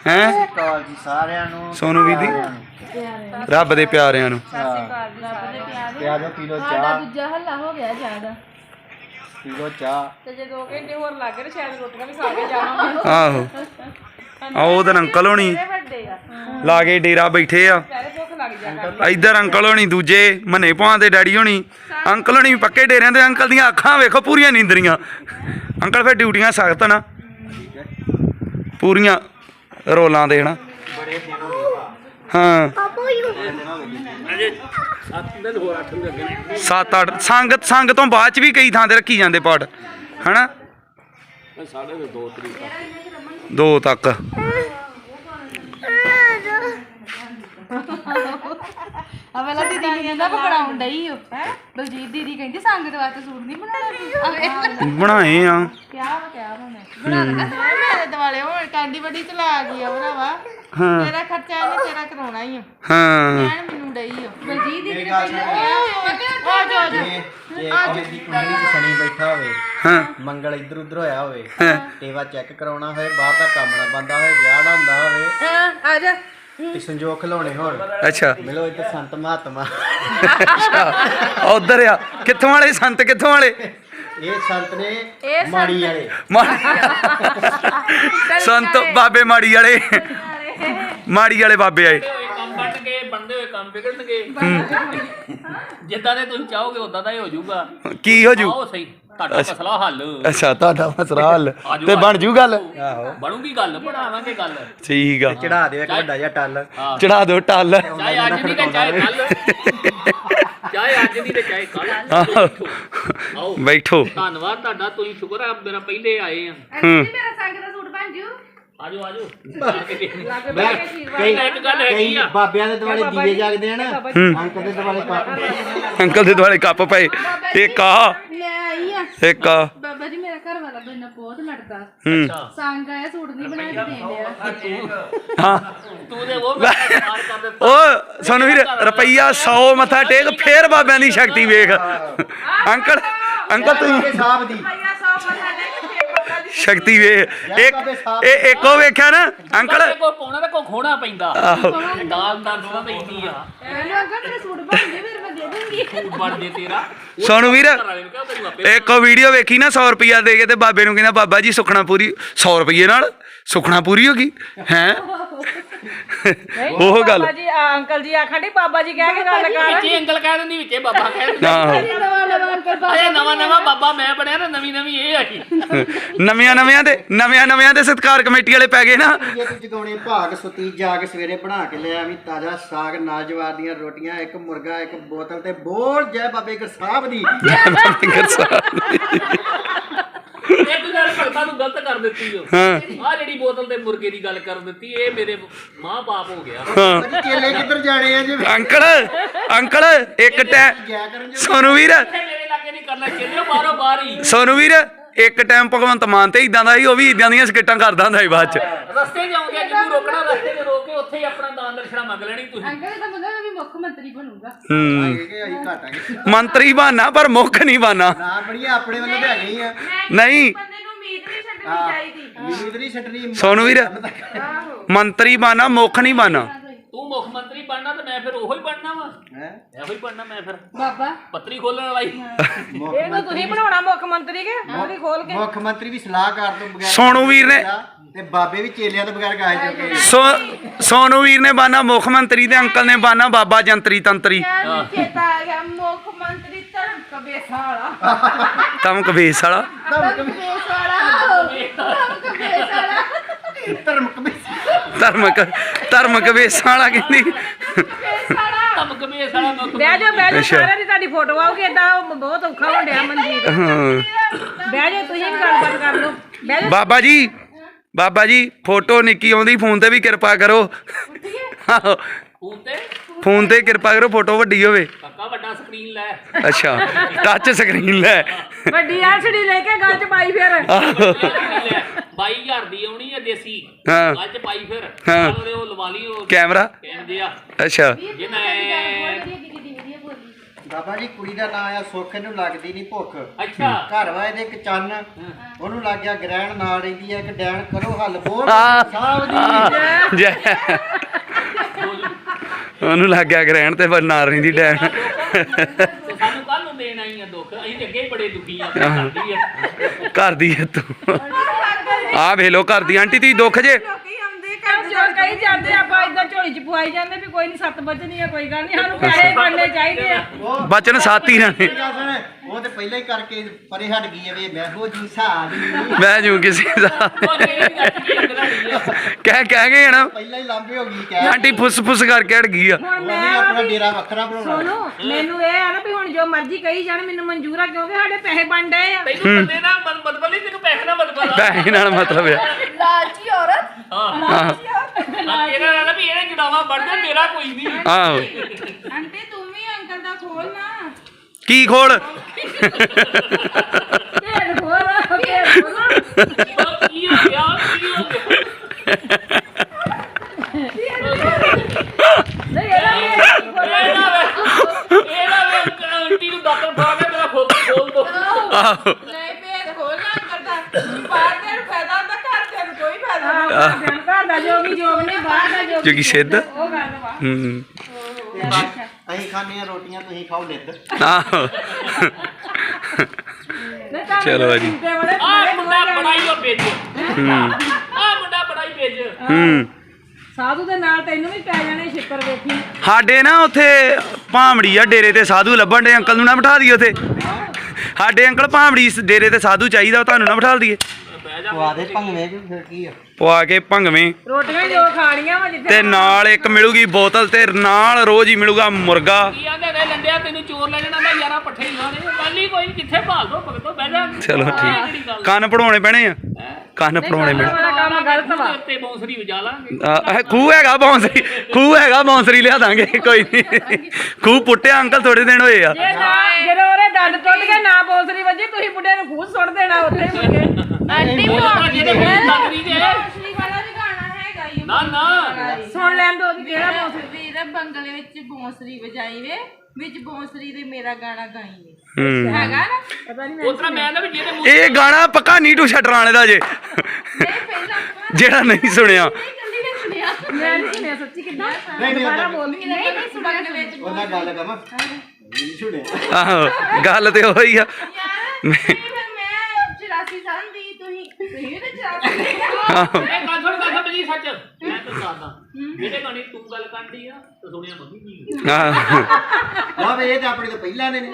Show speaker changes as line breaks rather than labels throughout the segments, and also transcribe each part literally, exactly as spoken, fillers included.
ਹੈ
ਸਾਰਿਆਂ ਨੂੰ
ਸੋਨੂ ਵੀਰ ਦੀ ਰੱਬ ਦੇ ਪਿਆਰਿਆਂ ਨੂੰ
ਪਿਆ ਦੋ ਕਿਲੋ ਚਾਹ
ਦੂਜਾ ਹੱਲਾ ਹੋ ਗਿਆ ਜ਼ਿਆਦਾ
ਕਿਲੋ ਚਾਹ
ਤੇ ਜੇ ਦੋ ਘੰਟੇ ਹੋਰ ਲੱਗ ਗਏ ਸ਼ਾਇਦ ਰੋਟੀਆਂ ਵੀ ਖਾ ਕੇ ਜਾਵਾਂਗੇ
ਆਹੋ ਆ ਉਹਦੇ ਅੰਕਲ ਹੋਣੀ
ਵੱਡੇ ਆ
ਲਾ ਕੇ ਡੇਰਾ ਬੈਠੇ ਆ
ਪਹਿਲੇ ਭੁੱਖ ਲੱਗ ਜਾ ਕਰ
ਇੱਧਰ ਅੰਕਲ ਹੋਣੀ ਦੂਜੇ ਮੰਨੇ ਭਾਂ ਦੇ ਡੈਡੀ ਹੋਣੀ ਅੰਕਲ ਹੋਣੀ ਪੱਕੇ ਡੇਰਿਆਂ ਦੇ ਅੰਕਲ ਦੀਆਂ ਅੱਖਾਂ ਵੇਖੋ ਪੂਰੀਆਂ ਨੀਂਦਰੀਆਂ ਅੰਕਲ ਫਿਰ ਡਿਊਟੀਆਂ ਸਖਤ ਨਾ ਪੂਰੀਆਂ ਰੋਲਾਂ ਦੇ ਹਨਾ ਹਾਂ ਸੱਤ ਅੱਠ ਸੰਗਤ ਸੰਗ ਤੋਂ ਬਾਅਦ ਚ ਵੀ ਕਈ ਥਾਂ ਤੇ ਰੱਖੀ ਜਾਂਦੇ ਪਾਠ ਹਨਾ ਦੋ ਤੱਕ
ਆ ਵੇਲਾ ਦੀਦੀ ਕਹਿੰਦਾ ਬਣਾਉਣ ਡਈ ਹੋ ਹੈ ਬਲਜੀਤ ਦੀਦੀ ਕਹਿੰਦੀ ਸੰਗਤ ਵਾਸਤੇ ਸੂਟ ਨਹੀਂ ਬਣਾਉਣਾ
ਬਣਾਏ ਆ
ਕਿਆ ਵਾ ਕਿਆ ਬਣਾ ਬਣਾ ਲਗਾ ਮੇਰੇ ਦਿਵਾਲੇ ਹੋਣ ਕਾਂਡੀ ਬੜੀ ਚਲਾ ਗਈ ਆ ਭਰਾਵਾ
ਹਾਂ
ਤੇਰਾ ਖਰਚਾ ਇਹਨੇ ਤੇਰਾ ਕਰਾਉਣਾ ਹੀ ਆ
ਹਾਂ
ਕਹਿਣ ਮੈਨੂੰ ਡਈ ਹੋ ਬਲਜੀਤ ਦੀਦੀ ਨੇ ਪਹਿਲਾਂ ਆ ਜਾ ਜਾ
ਜੇ ਉਹਦੀ ਕੁੰਡਲੀ ਚ ਸ਼ਨੀ ਬੈਠਾ ਹੋਵੇ
ਹਾਂ
ਮੰਗਲ ਇੱਧਰ ਉੱਧਰ ਹੋਇਆ ਹੋਵੇ ਟੇਵਾ ਚੈੱਕ ਕਰਾਉਣਾ ਹੋਵੇ ਬਾਹਰ ਦਾ ਕੰਮ ਨਾ ਬੰਦਾ ਹੋਵੇ ਵਿਆਹ ਨਾ ਹੁੰਦਾ ਹੋਵੇ
ਆ ਜਾ
ਤੇ ਸੰਜੋਗ ਖਿਲਾਉਣੇ ਹੋਣ
ਅੱਛਾ
ਮਿਲੋ ਇੱਧਰ ਸੰਤ ਮਹਾਤਮਾ
ਉਧਰ ਆ ਕਿੱਥੋਂ ਵਾਲੇ ਸੰਤ ਕਿੱਥੋਂ ਵਾਲੇ
ਇਹ ਸੰਤ ਨੇ ਮਾੜੀ ਵਾਲੇ
ਸੰਤ ਬਾਬੇ ਮਾੜੀ ਵਾਲੇ ਮਾੜੀ ਵਾਲੇ ਬਾਬੇ ਆਏ
ਕੰਮ ਬਣ ਕੇ ਬੰਦੇ ਹੋਏ ਕੰਮ ਵਿਗੜਨਗੇ ਜਿੱਦਾਂ ਦੇ ਤੁਸੀਂ ਚਾਹੋਗੇ ਉਦਾਂ ਦਾ ਹੀ ਹੋ ਜਾਊਗਾ
ਕੀ ਹੋ ਜੂ
ਆਓ ਸਹੀ ਤੁਹਾਡਾ ਮਸਲਾ ਹੱਲ
ਅੱਛਾ ਤੁਹਾਡਾ ਮਸਲਾ ਹੱਲ ਤੇ ਬਣ ਜੂ ਗੱਲ
ਆਹੋ
ਬਣੂਗੀ ਗੱਲ ਬਣਾਵਾਂਗੇ ਗੱਲ
ਠੀਕ ਆ
ਚੜਾ ਦਿਓ ਇੱਕ ਵੱਡਾ ਜਿਹਾ ਟੱਲ
ਚੜਾ ਦਿਓ ਟੱਲ
ਚਾਹੇ ਅੱਜ ਦੀ ਤੇ ਚਾਹੇ ਕੱਲ ਚਾਹੇ ਅੱਜ ਦੀ ਤੇ ਚਾਹੇ ਕੱਲ ਆਓ
ਬੈਠੋ
ਧੰਨਵਾਦ ਤੁਹਾਡਾ ਤੁਸੀਂ ਸ਼ੁਕਰ ਹੈ ਮੇਰਾ ਪਹਿਲੇ ਆਏ ਆ
ਹੂੰ
ਮੇਰਾ ਸੰਗ ਦਾ ਸੂਟ ਬਣ ਜੂ
ਆਜੋ ਆਜੋ
ਮੈਂ ਕਈ
ਇੱਕ ਗੱਲ ਹੈਗੀ
ਕਈ
ਆ
ਬਾਬਿਆਂ ਦੇ ਦੁਆਲੇ ਦੀਵੇ ਜਗਦੇ ਆ ਨਾ ਅੰਕ ਦੇ ਦੁਆਲੇ ਕੱਪ
ਅੰਕਲ ਦੇ ਦੁਆਲੇ ਕੱਪ ਪਏ ਇੱਕ ਆ
ਮੈਂ ਆਈ ਆ
ਇੱਕ ਆ
ਬਾਬਾ ਜੀ ਮੇਰਾ ਘਰ ਵਾਲਾ ਬੰਨਾ ਬਹੁਤ ਲੜਦਾ
ਹੂੰ
ਸੰਗ ਆਇਆ ਸੂਟ ਨਹੀਂ ਬਣਾ ਕੇ ਦੇਣ ਡਿਆ
ਹਾਂ
ਤੂੰ ਤੇ ਉਹ ਮਾਰ ਕਰ ਦਿੱਤਾ
ਓ ਸਾਨੂੰ ਵੀਰ ਰੁਪਈਆ ਸੌ ਮੱਥਾ ਟੇਕ ਫੇਰ ਬਾਬਿਆਂ ਦੀ ਸ਼ਕਤੀ ਵੇਖ ਅੰਕਲ ਅੰਕਲ ਤੁਸੀਂ
ਸਾਹਿਬ ਦੀ
ਸ਼ਕਤੀ ਵੇਖ ਇੱਕ ਇਹ ਇੱਕੋ ਵੇਖਿਆ ਨਾ ਅੰਕਲ
ਕੋ ਪਾਉਣਾ ਤੇ ਕੋ ਖੋਣਾ ਪੈਂਦਾ
ਆਹੋ
ਦਾਲ ਦਾ ਦੁਆ ਪੈਂਦੀ ਆ
ਮੈਨੂੰ ਅੰਕਲ ਮੇਰੇ ਸੂਟ ਬਣ ਗਏ ਫਿਰ ਮੈਂ ਦੇ ਦੂੰਗੀ
ਬਣ ਜੇ ਤੇਰਾ
ਸੋਨੂੰ ਵੀਰ
ਘਰ ਵਾਲੇ ਨੂੰ ਕਿਹਾ ਤੈਨੂੰ ਆਪੇ
ਇੱਕ ਵੀਡੀਓ ਵੇਖੀ ਨਾ ਸੌ ਰੁਪਈਆ ਦੇ ਕੇ ਤੇ ਬਾਬੇ ਨੂੰ ਕਹਿੰਦਾ ਬਾਬਾ ਜੀ ਸੁਖਣਾ ਪੂਰੀ ਸੌ ਰੁਪਈਏ ਨਾਲ ਸੁਖਣਾ ਪੂਰੀ ਹੋ ਗਈ ਹੈ ਉਹ ਗੱਲ
ਬਾਬਾ ਜੀ ਆ ਅੰਕਲ ਜੀ ਆਖਣ ਡਈ ਬਾਬਾ ਜੀ ਕਹਿ ਕੇ ਗੱਲ ਕਰ
ਵਿੱਚੇ ਅੰਕਲ ਕਹਿ ਦਿੰਦੀ ਵਿੱਚੇ ਬਾਬਾ ਕਹਿ ਦਿੰਦਾ
ਆਹੋ
ਨਵਾਂ ਨਵਾਂ ਅੰਕਲ ਬਾਬਾ
ਅਰੇ ਨਵਾਂ ਨਵਾਂ ਬਾਬਾ ਮੈਂ ਬਣਿਆ ਨਾ ਨਵੀਂ ਨਵੀਂ ਇਹ ਆਈ
ਨਵਿਆਂ ਨਵਿਆਂ ਦੇ ਨਵਿਆਂ ਨਵਿਆਂ ਦੇ ਸਤਿਕਾਰ ਕਮੇਟੀ ਵਾਲੇ ਪੈ ਗਏ ਨਾ
ਜੇ ਤੂੰ ਜਗਾਉਣੇ ਭਾਗ ਸੁਤੀ ਜਾ ਕੇ ਸਵੇਰੇ ਬਣਾ ਕੇ ਲਿਆ ਵੀ ਤਾਜ਼ਾ ਸਾਗ ਨਾਲ ਜਵਾਰ ਦੀਆਂ ਰੋਟੀਆਂ ਇੱਕ ਮੁਰਗਾ ਇੱਕ ਬੋਤਲ ਤੇ ਬੋਲ ਜੈ ਬਾਬੇ ਗੁਰ ਸਾਹਿਬ ਦੀ
ਇੱਕ ਗੱਲ ਭਗਤਾਂ ਨੂੰ ਗਲਤ ਕਰ ਦਿੱਤੀ ਓ
ਹਾਂ
ਆ ਜਿਹੜੀ ਬੋਤਲ ਤੇ ਮੁਰਗੇ ਦੀ ਗੱਲ ਕਰ ਦਿੱਤੀ ਇਹ ਮੇਰੇ ਮਾਂ ਬਾਪ ਹੋ ਗਿਆ
ਹਾਂ
ਅਜੀ ਚੇਲੇ ਕਿੱਧਰ ਜਾਣੇ ਆ ਜੇ
ਅੰਕਲ ਅੰਕਲ ਇੱਕ ਟਾਈਮ
ਗਿਆ ਕਰਨ ਜੋ
ਸੋਨੂੰ ਵੀਰ
ਮੇਰੇ ਲਾਗੇ ਨਹੀਂ ਕਰਨਾ ਚੱਲਿਓ ਬਾਹਰੋਂ ਬਾਹਰ ਹੀ
ਸੋਨੂੰ ਵੀਰ ਇੱਕ ਟਾਈਮ ਭਗਵੰਤ ਮਾਨ ਤੇ ਇਦਾਂ ਦਾ ਸੀ ਉਹ ਵੀ ਇਦਾਂ ਦੀਆਂ ਸਕਿੱਟਾਂ ਕਰਦਾ ਹੁੰਦਾ ਸੀ ਬਾਅਦ ਚ
ਰਸਤੇ ਜਾਉਂਗੇ ਜਿੱਦੂ ਰੋਕਣਾ ਰਸਤੇ 'ਚ ਰੋਕ ਕੇ ਉੱਥੇ ਹੀ ਆਪਣਾ ਦਾਨ ਦਰਸ਼ਨਾ ਮੰਗ ਲੈਣੀ ਤੁਸੀਂ
ਅੰਕਲ ਦਾ ਮਤਲਬ ਵੀ ਮੁੱਖ ਮੰਤਰੀ ਬਣੂਗਾ
ਹੂੰ
ਇਹ ਆਈ ਘਾਟਾਂਗੇ
ਮੰਤਰੀ ਬਾਨਾ ਪਰ ਮੁੱਖ ਨਹੀਂ ਬਾਨਾ
ਨਾ ਬੜੀਆਂ ਆਪਣੇ ਵੱਲੋਂ ਤੇ ਹੈਗੇ ਹੀ ਆ
ਨਹੀਂ
ਬੰਦੇ ਨੂੰ ਉਮੀਦ ਨਹੀਂ ਛੱਡਣੀ ਚਾਹੀਦੀ
ਉਮੀਦ ਨਹੀਂ ਛੱਡਣੀ
ਸੋਨੂੰ ਵੀਰ
ਆਹੋ
ਮੰਤਰੀ ਬਾਨਾ ਮੁੱਖ ਨਹੀਂ ਬਾਨਾ
ਤੂੰ ਮੁੱਖ ਮੰਤਰੀ ਬਣਨਾ ਤੇ ਮੈਂ ਫਿਰ ਉਹੋ ਹੀ ਬਣਨਾ ਵਾ
ਹੈ
ਇਹੋ ਹੀ ਬਣਨਾ ਮੈਂ ਫਿਰ
ਬਾਬਾ
ਪੱਤਰੀ ਖੋਲਣ ਵਾਲਾ ਹੀ
ਇਹਨੂੰ ਤੁਸੀਂ ਬਣਾਉਣਾ ਮੁੱਖ ਮੰਤਰੀ ਕੇ ਉਹਦੀ ਖੋਲ ਕੇ
ਮੁੱਖ ਮੰਤਰੀ ਵੀ ਸਲਾਹਕਾਰ ਤੋਂ ਬਗੈਰ
ਸੋਨੂੰ ਵੀਰ ਨੇ
ਤੇ ਬਾਬੇ ਵੀ ਚੇਲਿਆਂ ਤੋਂ ਬਗੈਰ ਗਾਏ ਚੁੱਕੇ
ਸੋ ਸੋਨੂੰ ਵੀਰ ਨੇ ਬਾਨਾ ਮੁੱਖ ਮੰਤਰੀ ਤੇ ਅੰਕਲ ਨੇ ਬਾਨਾ ਬਾਬਾ ਜੰਤਰੀ ਤੰਤਰੀ
ਯਾਰ ਚੇਤਾ ਆ ਗਿਆ ਮੁੱਖ ਮੰਤਰੀ ਧਰਮ ਕਬੇਸਾ ਵਾਲਾ
ਤਮਕ ਵੇਸ ਵਾਲਾ
ਧਰਮ ਕਬੇਸਾ ਵਾਲਾ ਧਰਮ ਕਬੇਸਾ ਵਾਲਾ
ਧਰਮ ਕਮੇਟੀ
ਧਰਮਕ ਧਰਮਕ ਵੇਸਾਂ ਵਾਲਾ ਕਹਿੰਦੀ
ਕਬੇਸਾ ਵਾਲਾ
ਧਮਕ ਮੇ ਸਾਲਾ ਮੁੱਖ
ਬਹਿ ਜਾ ਬਹਿ ਜਾ
ਅੱਛਾ।
ਸਾਰਿਆਂ ਦੀ ਤੁਹਾਡੀ ਫੋਟੋ ਆਉਗੀ ਏਦਾਂ ਬਹੁਤ ਔਖਾ ਹੋਣ ਡਿਆ ਮਨਜੀਤ
ਹਾਂ
ਬਹਿ ਜਾ ਤੁਸੀਂ ਵੀ ਗੱਲਬਾਤ ਕਰ ਲਓ ਬਹਿ ਜਾ
ਬਾਬਾ ਜੀ ਬਾਬਾ ਜੀ ਫੋਟੋ ਨਿੱਕੀ ਆਉਂਦੀ ਫੋਨ ਤੇ ਵੀ ਕਿਰਪਾ ਕਰੋ ਆਹੋ
ਫੋਨ ਤੇ
ਫੋਨ ਤੇ ਕਿਰਪਾ ਕਰੋ ਫੋਟੋ ਵੱਡੀ ਹੋਵੇ
ਕਾਕਾ ਵੱਡਾ ਸਕਰੀਨ ਲੈ
ਅੱਛਾ ਟੱਚ ਸਕਰੀਨ ਲੈ
ਵੱਡੀ ਐਲਸੀਡੀ ਲੈ ਕੇ ਗੱਲ ਚ ਪਾਈ ਫਿਰ
ਬਾਈ ਹਜ਼ਾਰ ਦੀ ਆਉਣੀ ਆ ਦੇਸੀ
ਹਾਂ।
ਅੱਜ ਪਾਈ ਫਿਰ
ਹਾਂ।
ਉਹਦੇ ਉਹ ਲਵਾ ਲਈ ਉਹ
ਕੈਮਰਾ
ਕਹਿੰਦੇ ਆ
ਅੱਛਾ
ਜਿਹਨੇ
ਬਾਬਾ ਜੀ ਕੁੜੀ ਦਾ ਨਾਂ ਆ ਸੁੱਖ, ਇਹਨੂੰ ਲੱਗਦੀ ਨਹੀਂ ਭੁੱਖ।
ਅੱਛਾ
ਘਰ ਵਾ ਇਹਦੇ ਇੱਕ ਚੰਨ, ਉਹਨੂੰ ਲੱਗ ਗਿਆ ਗ੍ਰਹਿਣ, ਨਾਲ ਰਹਿੰਦੀ ਆ ਇੱਕ ਡੈਣ। ਕਰੋ ਹੱਲ ਬੋਲ
ਆ
ਸਾਹਿਬ ਦੀ।
ਜੈ ਉਹਨੂੰ ਲੱਗ ਗਿਆ ਗ੍ਰਹਿਣ ਤੇ ਨਾਲ ਰਹਿੰਦੀ ਡੈਣ।
ਤੇ ਸਾਨੂੰ ਕੱਲ ਨੂੰ ਦੇਣ ਆਈ ਆ ਦੁੱਖ, ਅਸੀਂ ਤੇ ਅੱਗੇ ਹੀ ਬੜੇ ਦੁਖੀ ਆ ਕਰਦੀ ਆ
ਘਰ ਦੀ ਹੈ ਤੂੰ। ਆ ਵੇਖ ਲੋ ਘਰ ਦੀ ਆਂਟੀ ਤੀ ਦੁੱਖ ਜੇ
ਜੋ ਕਹੀ ਜਾਂਦੇ ਆਪਾਂ ਇਦਾਂ ਝੋਲੀ ਚ ਪਵਾਈ ਜਾਂਦੇ ਵੀ ਕੋਈ ਨਹੀਂ ਸੱਤ ਵੱਜਣੀ ਆ, ਕੋਈ ਗੱਲ ਨਹੀਂ, ਸਾਨੂੰ ਪੈਸੇ ਬਣਨੇ ਚਾਹੀਦੇ ਆ।
ਉਹ
ਬਚਨ ਸਾਥੀ ਨਾ ਨੇ।
ਗੱਲ ਸੁਣ, ਉਹ ਤੇ ਪਹਿਲਾਂ ਹੀ ਕਰਕੇ ਪਰੇ ਹਟ ਗਈ ਆ ਵੀ ਮੈਂ ਹੋ ਜੀ ਸਾਹ
ਮੈਂ ਜੂ ਕਿਸੇ ਦਾ
ਉਹ ਕਿਹੜੀ ਗੱਲ ਕੀ ਲੱਗਦੀ ਆ
ਕਹਿ ਕਹਿ ਗਏ ਨਾ
ਪਹਿਲਾਂ ਹੀ ਲਾਂਬੇ ਹੋ ਗਈ ਕਹਿ।
ਆਂਟੀ ਫੁੱਸ ਫੁੱਸ ਕਰਕੇ ਹਟ ਗਈ ਆ।
ਹੁਣ
ਉਹਨੇ
ਮੈਂ
ਆਪਣਾ
ਵੀ-
ਡੇਰਾ ਵੱਖਰਾ ਬਣਾਉਣਾ।
ਸੁਣੋ, ਮੈਨੂੰ ਇਹ ਆ ਨਾ ਵੀ ਹੁਣ ਜੋ ਮਰਜ਼ੀ ਕਹੀ ਜਾਣ ਮੈਨੂੰ ਮਨਜ਼ੂਰ ਆ, ਕਿਉਂਕਿ ਸਾਡੇ ਪੈਸੇ ਬਣ ਡਏ ਆ।
ਤੈਨੂੰ ਬੰਦੇ ਦਾ ਮਤ- ਮਤਲਬ ਨਹੀਂ, ਤੈਨੂੰ ਪੈਸੇ ਦਾ ਮਤਲਬ ਆ
ਪੈਸੇ ਨਾਲ ਮਤਲਬ ਆ।
ਲਾਲਚੀ ਔਰਤ
ਹਾਂ ਇਹਦਾ ਨਾ ਵੀ ਇਹਨੇ ਜੁੜਾਵਾ ਵੜਦੇ, ਮੇਰਾ ਕੋਈ ਨਹੀਂ।
ਆਹੋ
ਆਂਟੀ ਤੂੰ ਵੀ ਅੰਕਲ ਦਾ ਖੋਲ ਨਾ।
ਕੀ ਖੋਲ
ਢੇਰ ਖੋਲ ਢੇਰ ਖੋਲ।
ਉਹ ਕੀ ਹੋ ਗਿਆ, ਕੀ ਹੋ ਗਿਆ
ਨਹੀਂ ਇਹਦਾ ਵੀ ਇਹ ਖੋਲ।
ਇਹਦਾ ਵੇ ਇਹਦਾ ਵੇ ਆਂਟੀ ਨੂੰ ਦਾਤਰ ਫੜਾ ਕੇ ਮੇਰਾ ਖੋਲ ਖੋਲ ਦੋ।
ਆਹੋ
ਨਹੀਂ ਭੇਦ ਖੋਲਣਾ ਅੰਕਲ ਦਾ। ਬਾਹਰ ਦੇ ਨੂੰ ਫਾਇਦਾ ਹੁੰਦਾ, ਘਰ ਦੇ ਨੂੰ ਕੋਈ ਫਾਇਦਾ
ਆਹ,
ਨਹੀਂ।
ਘਰ ਦਾ- ਘਰ ਦਾ ਜੋਗੀ ਜੋਗ ਨਹੀਂ, ਬਾਹਰ ਦਾ ਜੋਗੀ
ਜੋਗੀ ਸਿੱਧ।
ਉਹ ਗੱਲ ਵਾ।
ਹੂੰ
ਅਸੀਂ ਖਾਂਦੇ ਆ ਰੋਟੀਆਂ, ਤੁਸੀਂ ਖਾਓ ਨਿੱਧ।
ਆਹੋ
ਨਹੀਂ ਤਾਂ
ਚਲੋ ਜੀ।
ਝੂਟੇ ਵਾਲੇ
ਆਹ
ਬੜੇ
ਮੁੰਡਾ
ਦੋਵੇਂ
ਬੜਾ ਹੀ ਉਹ ਵੇਚ
ਹੂੰ
ਆਹ ਮੁੰਡਾ ਬੜਾ ਹੀ ਵੇਚ
ਹੂੰ
ਸਾਧੂ ਦੇ ਨਾਲ ਤੈਨੂੰ ਵੀ ਪੈ ਜਾਣੇ ਛਿੱਤਰ ਵੇਖੀ।
ਸਾਡੇ ਨਾ ਉੱਥੇ ਭਾਂਬੜੀ ਆ ਡੇਰੇ ਤੇ ਸਾਧੂ ਲੱਭਣ ਦੇ। ਅੰਕਲ ਨੂੰ ਨਾ ਬਿਠਾ ਦਈਏ ਉੱਥੇ। ਸਾਡੇ ਅੰਕਲ ਭਾਂਬੜੀ ਸ- ਡੇਰੇ ਤੇ ਸਾਧੂ ਚਾਹੀਦਾ, ਉਹ ਤੁਹਾਨੂੰ ਨਾ ਬਿਠਾ ਦਈਏ।
ਪਵਾ ਦੇ ਭੰਗਵੇਂ ਕਿ ਫਿਰ ਕੀ ਆ।
ਪਵਾ ਕੇ ਭੰਗਵੇਂ
ਰੋਟੀਆਂ ਹੀ ਜੋ ਖਾਣੀਆਂ ਵਾ ਜਿੱਥੇ
ਤੇ ਨਾਲ ਇੱਕ ਮਿਲੂਗੀ ਬੋਤਲ ਤੇ ਨਾਲ ਰੋਜ਼ ਹੀ ਮਿਲੂਗਾ ਮੁਰਗਾ।
ਕੀ ਆਂਦੇ ਨੇ ਲੰਡਿਆ ਤੈਨੂੰ ਚੋਰ ਲੈ ਜਾਣਾ, ਮੈਂ ਯਾਰਾ ਪੱਠੇ ਹੀ ਲਾਣੇ। ਗੱਲ ਹੀ ਕੋਈ ਨੀ, ਜਿੱਥੇ ਭਾਲ ਦੋ ਭਗਤੋ ਬਹਿ ਜਾ।
ਚਲੋ
ਆਹ
ਠੀਕ।
ਕਿਹੜੀ ਗੱਲ।
ਕੰਨ ਪੜਾਉਣੇ ਪੈਣੇ ਆ, ਕੰਨ ਪੜਾਉਣੇ ਪੈਣੇ।
ਵਾਲਾ ਕੰਮ ਗਲਤ ਵਾ।
ਤੇ ਬੌਂਸਰੀ ਵਜਾ ਲਾਂਗੇ।
ਆ ਖੂਹ ਹੈਗਾ ਬੌਂਸਰੀ, ਖੂਹ ਹੈਗਾ ਬੌਂਸਰੀ ਲਿਆ ਦਾਂਗੇ। ਕੋਈ ਨਹੀਂ, ਖੂਹ ਪੁੱਟਿਆ ਅੰਕਲ ਥੋੜੇ ਦਿਨ ਹੋਏ ਆ।
ਜੇ ਨਾ ਜਦੋਂ ਉਹਦੇ ਦੰਦ ਟੁੱਟ ਗਏ ਨਾ ਬੋਸਰੀ ਵੱਜੀ, ਤੁਸੀਂ ਮੁੰਡੇ ਨੂੰ ਖੂਹ ਸੁੱਟ ਦੇਣਾ ਉੱਥੇ ਹੀ ਮੁੜ ਕੇ।
ਆਂਟੀ
ਉਹ ਤਾਂ ਜਿਹਦੇ ਮੂੰਹ ਲੱਗਦੀ ਜੇ।
ਬੌਂਸਰੀ ਵਾਲਾ ਵੀ ਗਾਣਾ ਹੈਗਾ ਈ ਓ।
ਨਾ ਨਾ
ਸੁਣ ਲੈਣ ਦੋ ਵੀ ਕਿਹੜਾ ਬੋਸਰੀ।
ਵੀਰ ਬੰਗਲੇ ਵਿੱਚ ਬੌਂਸਰੀ ਵਜਾਈ ਵੇ, ਵਿੱਚ ਬੌਂਸਰੀ ਦੇ ਮੇਰਾ ਗਾਣਾ ਗਾਈ ਵੇ।
ਹੂੰ
ਹੈਗਾ ਨਾ?
ਪਤਾ ਨਹੀਂ
ਉਸ ਤਰ੍ਹਾਂ ਮੈਂ ਨਾ ਵੀ ਜਿਹਦੇ ਮੂੰਹ
ਇਹ ਗਾਣਾ ਪੱਕਾ ਨੀਟੂ ਛਟਰਾਣੇ ਦਾ ਜੇ,
ਨਹੀਂ ਪਹਿਲਾਂ ਆਪਾਂ
ਜਿਹੜਾ ਨਹੀਂ ਸੁਣਿਆ।
ਇਕੱਲੀ ਨੇ ਸੁਣਿਆ।
ਮੈਂ ਨਹੀਂ ਸੁਣਿਆ ਸੱਚੀ ਕਿੱਦਾਂ।
ਨਹੀਂ ਨਹੀਂ
ਦੁਬਾਰਾ
ਉਹਦਾ
ਬੋਲ।
ਨਹੀਂ ਨਹੀਂ ਸੁਣਨ ਵਿੱਚ
ਉਹਦਾ ਗੱਲ ਕਮਾ ਨਹੀਂ ਸੁਣਿਆ।
ਆਹੋ ਗੱਲ ਤੇ ਉਹੀ ਆ।
ਯਾਰ ਨਹੀਂ ਫਿਰ ਮੈਂ ਚੁਰਾਸੀ ਸਾਲ ਦੀ, ਤੁਸੀਂ ਤੁਸੀਂ ਵੀ ਤਾਂ ਚੁਰਾਸੀ
ਆਹੋ
ਇਹ ਗੱਲ ਸੁਣ ਗੱਲ ਬਜੀ ਸੱਚ ਮੈਂ ਤਾਂ ਦੱਸਦਾ ਜਿਹੜੇ ਗਾਣੇ ਤੂੰ ਗੱਲ ਕਰਦੀ ਆ ਤੇ ਸੁਣਿਆ ਮੰਮੀ ਨਹੀਂ।
ਆਹੋ
ਨਾ ਵੇ ਇਹ ਤਾਂ ਆਪਣੇ ਤੋਂ ਪਹਿਲਾਂ ਦੇ ਨੇ।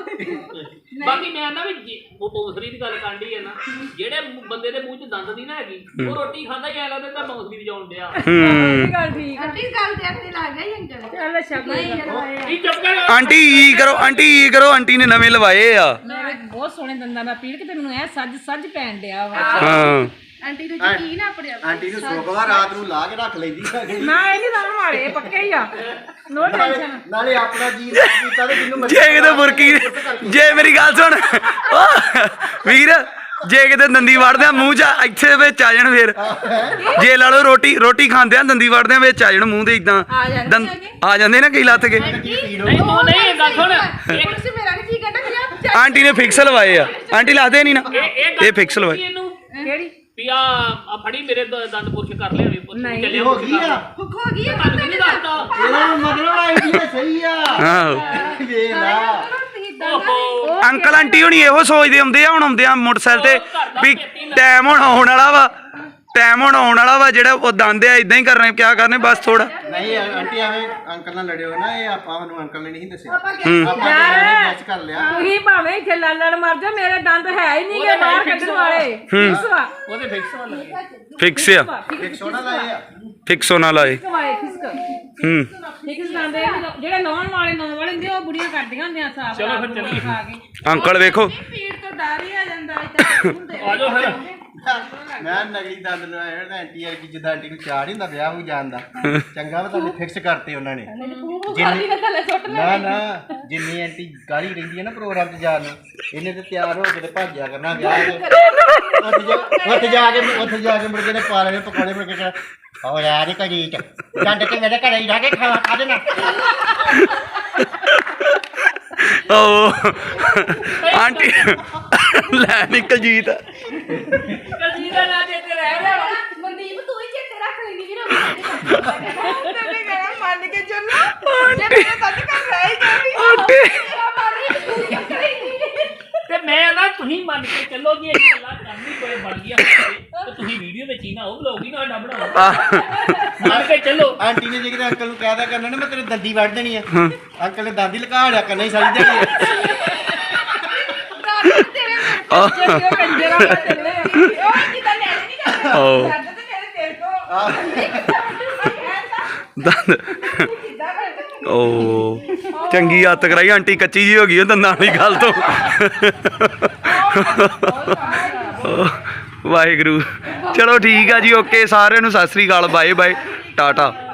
ਬਾਕੀ ਮੈਂ ਨਾ ਵੀ ਜੇ ਉਹ ਬੌਂਸਰੀ ਦੀ ਗੱਲ ਕਰਦੀ ਆ ਨਾ, ਜਿਹੜੇ ਮੂੰਹ- ਬੰਦੇ ਦੇ ਮੂੰਹ 'ਚ ਦੰਦ ਨਹੀਂ ਨਾ ਹੈਗੀ, ਉਹ ਰੋਟੀ ਖਾਂਦਾ ਹੀ ਐ ਲੱਗਦਾ ਤਾਂ ਬੌਂਸਰੀ ਵਜਾਉਣ ਡਿਆ।
ਹੂੰ
ਇਹ ਗੱਲ ਠੀਕ ਆ।
ਆਂਟੀ ਗੱਲ ਤੇ ਆਪਣੇ ਲੱਗ ਗਈ ਅੰਕਲ।
ਚੱਲ ਸ਼ਬਦ
ਇਹ ਚੁੱਪ ਕਰ।
ਆਂਟੀ ਈ ਕਰੋ, ਆਂਟੀ ਈ ਕਰੋ। ਆਂਟੀ ਨੇ ਨਵੇਂ ਲਵਾਏ ਆ।
ਮੇਰੇ ਬਹੁਤ ਸੋਹਣੇ ਦੰਦਾਂ ਦਾ ਪੀੜ, ਕਿਤੇ ਮੈਨੂੰ ਐ ਸੱਜ ਸੱਜ ਪੈਣ ਡਿਆ ਵਾ।
ਹਾਂ
ਆਂਟੀ ਨੂੰ ਯਕੀਨ ਆ ਆਪਣੇ ਆਪ ਤੇ।
ਆਂਟੀ ਨੂੰ ਸੋਕਵਾ ਰਾਤ ਨੂੰ ਲਾ ਕੇ ਰੱਖ ਲੈਂਦੀ ਆ ਅਗਲੀ।
ਨਾ ਇਹ ਨਹੀਂ ਲਾਉਣ ਵਾਲੇ, ਇਹ ਪੱਕੇ ਹੀ ਆ। No tension.
ਨਾਲੇ ਆਪਣਾ ਜੀ ਰਾਤ ਕੀਤਾ ਤੇ ਜਿੰਨੂੰ ਮਰਜ਼ੀ
ਜੇ ਕਿਤੇ ਮੁਰਕੀ, ਜੇ ਮੇਰੀ ਗੱਲ ਸੁਣ ਓ ਵੀਰ, ਜੇ ਕਿਤੇ ਦੰਦੀ ਵੜਦੇ ਆ ਮੂੰਹ 'ਚ ਇੱਥੇ ਵਿੱਚ ਆ ਜਾਣ ਫੇਰ। ਜੇ ਲਾ ਲਓ ਰੋਟੀ ਰੋਟੀ ਖਾਂਦੇ ਆ ਦੰਦੀ ਵੜਦੇ ਆ ਵਿੱਚ ਆ ਜਾਣ ਮੂੰਹ ਦੇ ਇਦਾਂ ਦੰਦ ਆ ਜਾਂਦੇ ਨਾ ਕਈ ਲੱਥ ਕੇ।
ਨਹੀਂ ਤੂੰ ਨਹੀਂ ਇਹ ਗੱਲ ਸੁਣ ਇਹ
ਹੁਣ ਸੀ ਮੇਰਾ ਨਹੀਂ ਜੀ ਕਹਿੰਦਾ ਕਿ ਆਪ
ਆਂਟੀ ਨੇ ਫਿਕਸ ਲਵਾਏ ਆ। ਆਂਟੀ ਲਾਦੇ ਨਹੀਂ ਨਾ,
ਇਹ
ਇਹ ਫਿਕਸ ਲਵਾਏ।
ਇਹਨੂੰ
ਕਿਹੜੀ
ਵੀ ਆ ਆ ਫੜੀ ਮੇਰੇ ਦ- ਦੰਦ ਪੁਰਸ਼ ਕਰ ਲਿਆ ਵੀ ਪੁੱਛ
ਨਹੀਂ,
ਚੱਲਿਆ
ਹੋ ਗਈ ਆ।
ਭੁੱਖ ਹੋ ਗਈ ਹੈ।
ਤੁਹਾਨੂੰ ਨਹੀਂ ਦੱਸਦਾ।
ਇਹਦਾ ਮਤਲਬ ਆਈਡੀਆ ਸਹੀ ਆ।
ਆਹੋ
ਵੇਖ ਲਾ।
ਓਹੋ
ਅੰਕਲ ਆਂਟੀ ਹੁਣੀ ਇਹੋ ਸੋਚਦੇ ਹੁੰਦੇ ਆ, ਹੁਣ ਆਉਂਦੇ ਆ ਮੋਟਰਸਾਈਕਲ ਤੇ ਵੀ ਟਾਈਮ ਹੁਣ ਆਉਣ ਵਾਲਾ ਵਾ, ਟਾਈਮ ਹੁਣ ਆਉਣ ਵਾਲਾ ਵਾ। ਜਿਹੜਾ ਉਹ ਦੰਦ ਆ ਇਦਾਂ ਹੀ ਕਰਨੇ, ਕਿਆ ਕਰਨੇ ਬਸ ਥੋੜਾ।
ਨਹੀਂ ਆਂਟੀ ਐਵੇਂ ਅੰਕਲ ਨਾਲ ਲੜਿਓ ਨਾ, ਇਹ ਆਪਾਂ ਨੂੰ ਅੰਕਲ ਨੇ ਨਹੀਂ ਦੱਸਿਆ।
ਹੂੰ
ਆਪਾਂ ਨੇ ਗੈਸ ਕਰ ਲਿਆ।
ਤੁਸੀਂ ਭਾਵੇਂ ਇੱਥੇ ਲੜ ਲੜ ਮਰ ਜਾ, ਮੇਰੇ ਦੰਦ ਹੈ ਹੀ ਨਹੀਂ ਗੇ ਬਾਹਰ ਕੱਢਣ ਵਾਲੇ। ਫਿਕਸ ਵਾ
ਉਹਦੇ ਫਿਕਸ ਵਾਲਾ ਲੱਗੇ
ਫਿਕਸ ਆ,
ਇੱਕ ਸੋਨਾ ਦਾ ਇਹ ਆ।
ਫਿਕਸ ਹੋਣਾ ਲਾਏ।
ਫਿਕਸ ਵਾਲੇ ਫਿਕਸ
ਹੂੰ
ਫਿਕਸ ਦੰਦ ਇਹ ਜਿਹੜੇ ਨੌਣ ਵਾਲੇ ਨੌਣ ਵਾਲੇ ਹੁੰਦੇ ਉਹ ਬੁੜੀਆਂ ਕਰਦੀਆਂ ਹੁੰਦੀਆਂ ਸਾਫ।
ਚਲੋ ਫਿਰ ਚੱਲੀਏ।
ਖਾ ਕੇ
ਅੰਕਲ ਵੇਖੋ
ਪੀੜ ਤੋਂ ਡਰ ਹੀ ਆ ਜਾਂਦਾ ਇੱਥੇ ਹੁੰਦੇ।
ਆ ਜਾਓ ਫਿਰ।
ਮੈਂ ਨਗਲੀ ਦੰਦ ਨੂੰ ਆਇਆ ਨਾ ਆਂਟੀ ਯਾਰ ਕਿ ਜਿੱਦਾਂ ਆਂਟੀ ਨੂੰ ਚਾਹ ਨਹੀਂ ਹੁੰਦਾ ਵਿਆਹ ਹੋ ਜਾਂਦਾ। ਚੰਗਾ ਵਾ ਤੁਹਾਨੂੰ ਫਿਕਸ ਕਰਤੇ ਉਹਨਾਂ ਨੇ।
ਖਾਲੀ ਨਾ ਥੱਲੇ ਸੁੱਟ ਲੈ।
ਨਾ ਨਾ ਜਿੰਨੀ ਆਂਟੀ ਗਾਲੀ ਰਹਿੰਦੀ ਹੈ ਨਾ ਪ੍ਰੋਗਰਾਮ 'ਚ ਜਾਣ ਨੂੰ, ਇਹਨੇ ਤੇ ਤਿਆਰ ਹੋ ਕੇ ਤੇ ਭੱਜਿਆ ਕਰਨਾ ਵਿਆਹ 'ਚ। ਉੱਥੇ ਜਾ ਉੱਥੇ ਜਾ ਕੇ ਉੱਥੇ ਜਾ ਕੇ ਮੁੜ ਕੇ ਤੇ ਪਾ ਲੈਣੇ ਪਕੌੜੇ ਮੁੜ ਕੇ ਕਹਿਣਾ, ਉਹ ਯਾਰ ਇਹ ਕਰੀ ਚ ਡੰਡ ਕੇ ਮੇਰੇ ਘਰੇ ਹੀ ਰਹਿ ਕੇ ਖਾ ਖਾ ਦੇਣਾ।
ਓ ਆਂਟੀ ਲੈ ਨਿਕਲ ਜੀਤ
ਕਲਜੀਤ ਦਾ ਨਾਂ ਚੇਤੇ ਰਹਿ ਗਿਆ ਵਾ।
ਮਨਦੀਪ ਤੂੰ ਹੀ ਚੇਤੇ ਰੱਖ ਲੈਂਦੀ ਵੀਰ
ਤੈਨੂੰ ਕਹਿਣਾ ਮੰਨ ਕੇ ਚੱਲੋ ਜੇ ਮੇਰੇ ਸੱਚ ਕਰ ਰਹੀ ਜਾਂਦੀ
ਆਂਟੀ
ਤੇ ਮੈਂ ਨਾ ਤੁਸੀਂ ਮੰਨ ਕੇ ਚੱਲੋ ਕਿ ਇਹ ਗੱਲਾਂ ਕਰਨੀ ਕੋਈ ਬਣ ਗਿਆ ਤੇ ਤੁਸੀਂ ਵੀਡੀਓ ਵਿੱਚ ਹੀ ਨਾ ਉਹ ਬਲੌਗ ਹੀ ਨਾ ਸਾਡਾ ਬਣਾਓ ਮੰਨ ਕੇ ਚੱਲੋ।
ਆਂਟੀ ਨੇ ਜੇ ਕਿਤੇ ਅੰਕਲ ਨੂੰ ਕਹਿਦਾ ਕਰਨਾ ਨਾ ਮੈਂ ਤੇਰੇ ਦੰਦੀ ਵੱਢ ਦੇਣੀ ਆ ਅੰਕਲ ਨੇ ਦੰਦੀ ਲਗਾ ਲਿਆ ਕਰਨਾ ਹੀ ਸਾਰੀ ਦਿਹਾੜੀ
ਜੇ ਉਹ ਕੰਜਰਾ ਪਾ ਚੱਲੇ ਉਹ ਕਿਦਾਂ ਲੈ ਨਹੀਂ ਕਰਦਾ
ਓ
ਛੱਡ ਤੇ ਮੇਰੇ ਤੇਰੇ ਤੋਂ
ਦੰਦ
ਕਿਦਾਂ ਕਰਦਾ
ਓ ਚੰਗੀ ਹੱਤ ਕਰਾਈ ਆਂਟੀ ਕੱਚੀ ਜੀ ਹੋ ਗਈ ਉਹ ਦੰਦਾਂ ਵਾਲੀ ਗੱਲ ਤੋਂ ਵਾਹਿਗੁਰੂ ਚਲੋ ਠੀਕ ਆ ਜੀ ਓਕੇ ਸਾਰਿਆਂ ਨੂੰ ਸਤਿ ਸ੍ਰੀ ਅਕਾਲ ਬਾਏ ਬਾਏ ਟਾਟਾ